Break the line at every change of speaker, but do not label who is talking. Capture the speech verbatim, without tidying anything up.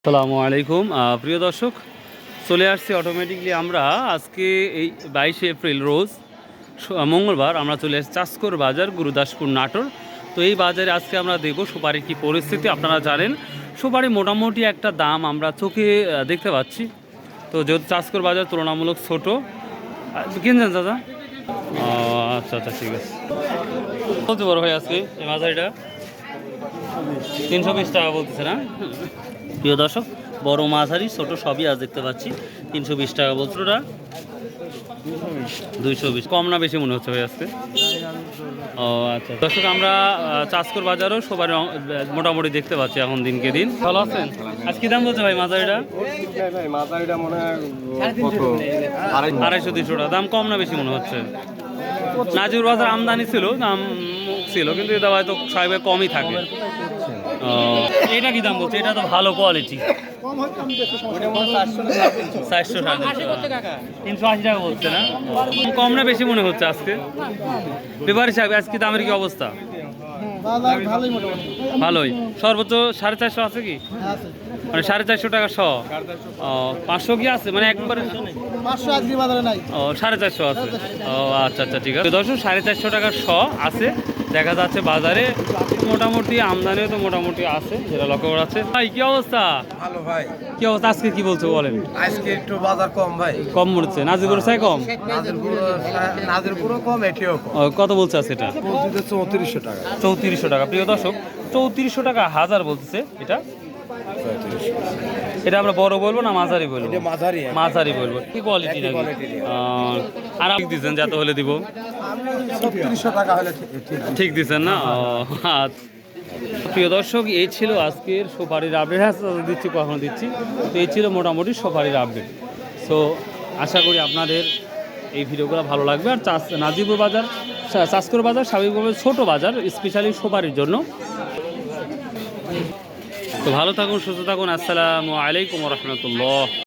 আসসালামু আলাইকুম প্রিয় দর্শক, চলে আসছি অটোমেটিকলি আমরা আজকে এই বাইশে এপ্রিল রোজ মঙ্গলবার আমরা চলে আসছি চাষকর বাজার গুরুদাসপুর নাটোর। তো এই বাজারে আজকে আমরা দেখব সুপারির কী পরিস্থিতি। আপনারা জানেন সুপারি মোটামুটি একটা দাম আমরা চোখে দেখতে পাচ্ছি। তো যেহেতু চাষকর বাজার তুলনামূলক ছোটো, কিনছেন দাদা? আচ্ছা আচ্ছা ঠিক আছে। বলতে বড় ভাই আজকে এই মাঝারিটা তিনশো বিশ টাকা বলতেছে না? প্রিয় দর্শক, বড় মাঝারি ছোট সবই আজ দেখতে পাচ্ছি তিনশো বিশ টাকা বলছে। ওটা দুইশো বিশ, কম না বেশি মনে হচ্ছে ভাই আজকে? ও আচ্ছা দর্শক, আমরা চাষকর বাজারও সবার মোটামুটি দেখতে পাচ্ছি এখন দিনকে দিন। ভালো আছেন? আজ কি দাম বলছে ভাই মাঝারিটা? আড়াইশো তিনশো টাকা। দাম কম না বেশি মনে হচ্ছে? নাজির বাজার আমদানি ছিল, দাম ছিল, কিন্তু এটা হয়তো সাহেব কমই থাকে। ও এটা কি দাম বলছে? এটা তো ভালো কোয়ালিটি, চারশো সাড়ে তিনশো আশি টাকা বলছে না? কম না বেশি মনে হচ্ছে আজকে? ব্যাপারী সাহেব আজকে দামের কি অবস্থা? ভালোই, সর্বোচ্চ সাড়ে চারশো আছে কি? মানে সাড়ে চারশো টাকা শ? পাঁচশো কি আছে? মানে একবারে ও সাড়ে চারশো আছে। ও আচ্ছা আচ্ছা ঠিক আছে দর্শক, সাড়ে চারশো টাকার শ আছে দেখা যাচ্ছে বাজারে। মোটামুটি আমদানিও তো মোটামুটি আছে, যেটা লক্ষ্য করা যাচ্ছে। ভাই কি অবস্থা?
ভালো ভাই।
কি অবস্থা আজকে? কি বলছো বলেন?
আজকে একটু বাজার কম ভাই।
কম মরছে? নাজিরপুর চাই কম?
নাজিরপুরও কম, এটিও কম।
ও, কত বলছে আছে এটা?
চৌত্রিশশো টাকা।
চৌত্রিশশো টাকা। প্রিয় দর্শক, চৌত্রিশশো টাকা হাজার বলতেছে এটা। এটা আমরা বড় বলবো না মাঝারি বলবো?
মাঝারি
মাঝারি বলবো। কি কোয়ালিটি নাকি? আর আপনি দিচ্ছেন যত হলে দিব?
চৌত্রিশশো টাকা হলে
ঠিক দিচ্ছেন না? আচ্ছা প্রিয় দর্শক, এই ছিল আজকের সুপারির আপডেট। হ্যাঁ দিচ্ছি, কখনো দিচ্ছি। তো এই ছিল মোটামুটি সুপারির আপডেট। সো আশা করি আপনাদের এই ভিডিওগুলো ভালো লাগবে। আর চাষ নাজিরপুর বাজার, চাষকর বাজার স্বাভাবিকভাবে ছোটো বাজার, স্পেশালি সুপারির জন্য। তো ভালো থাকুন, সুস্থ থাকুন। আসসালামু আলাইকুম রহমতুল্লাহ।